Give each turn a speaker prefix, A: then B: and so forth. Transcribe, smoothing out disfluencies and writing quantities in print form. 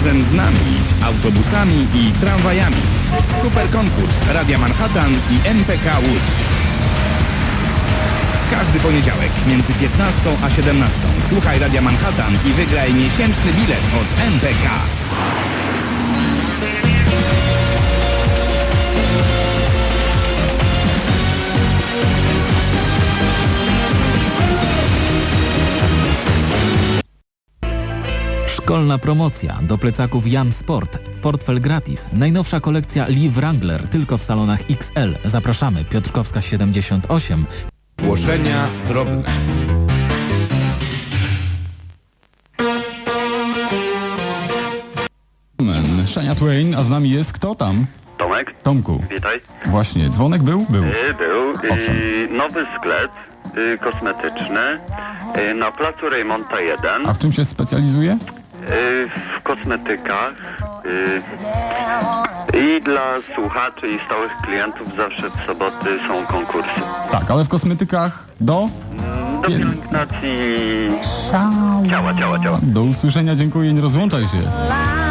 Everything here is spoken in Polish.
A: razem z nami, autobusami i tramwajami. Super konkurs Radia Manhattan i MPK Łódź. W każdy poniedziałek między 15 a 17 słuchaj Radia Manhattan i wygraj miesięczny bilet od MPK.
B: Szkolna promocja do plecaków Jan Sport. Portfel gratis. Najnowsza kolekcja Lee Wrangler tylko w salonach XL. Zapraszamy. Piotrkowska 78.
A: Głoszenia drobne.
C: Shania Twain, a z nami jest kto tam?
D: Tomek,
C: Tomku.
D: witaj.
C: Właśnie, dzwonek był? Był.
D: Był
C: Owszem.
D: nowy sklep kosmetyczny na placu Rejmonta 1
C: A w czym się specjalizuje?
D: w kosmetykach i dla słuchaczy i stałych klientów zawsze w soboty są konkursy.
C: Tak, ale w kosmetykach do?
D: Do pielęgnacji ciała.
C: Do usłyszenia, dziękuję, nie rozłączaj się.